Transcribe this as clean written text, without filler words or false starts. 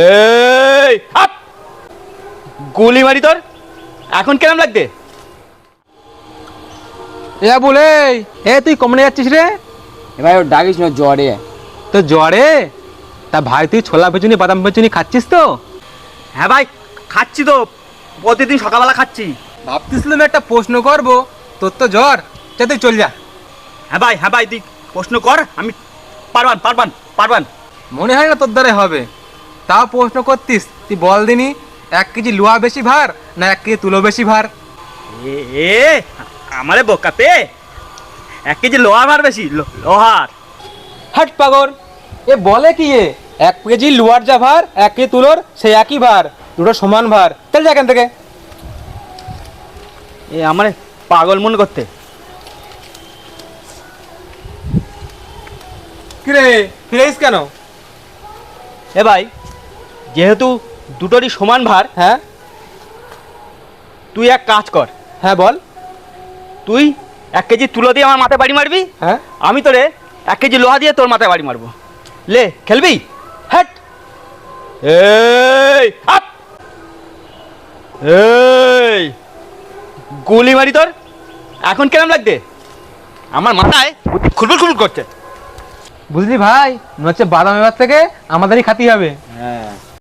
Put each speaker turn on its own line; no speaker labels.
এই আপ গুলি মারি তোর এখন কেমন লাগবে?
এ বলে এ তুই কমনে যাচ্ছিস রে?
ভাই ওর ডাকিস না, জ্বরে।
তো জ্বরে? তা ভাই তুই ছোলা পেছুনি বাদাম পেছুনি খাচ্ছিস তো?
হ্যাঁ ভাই খাচ্ছি তো, প্রতিদিন সকালবেলা খাচ্ছি।
ভাবতেছিলাম একটা প্রশ্ন করব, তোর তো জ্বর, চল তুই চল যা।
হ্যাঁ ভাই তুই প্রশ্ন কর, আমি পারবান।
মনে হয় না তোর দ্বারা হবে, তাও প্রশ্ন করতিস। তুই বল দিনি, 1 কেজি লোহা বেশি ভার না 1 কেজি তুলো বেশি ভার?
এ আমারে বোকা পে 1 কেজি লোহার ভার বেশি, লোহার।
হাট পাগল, এ বলে কি এ 1 কেজি লোহার যা ভার 1 কেজি তুলোর সেই একই ভার, দুটো সমান ভার। চল যা এখান থেকে।
এ আমারে পাগল মনে করতে।
কিরে ফিরেছিস কেন?
এ ভাই যেহেতু দুটোরই সমান ভার,
হ্যাঁ
তুই এক কাজ কর,
হ্যাঁ বল।
তুই 1 কেজি তুলো দিয়ে আমার মাথায় বাড়ি মারবি,
হ্যাঁ
আমি তোরে 1 কেজি লোহা দিয়ে তোর মাথায় বাড়ি মারবো। লে খেলবি?
হাট।
এই আপ এই গুলি মারি তোর এখন কেমন লাগবে? আমার মাথায় খুলবুল করছে।
বুঝলি ভাই, মনে হচ্ছে বাদাম এবার থেকে আমাদেরই খাতি হবে।
হ্যাঁ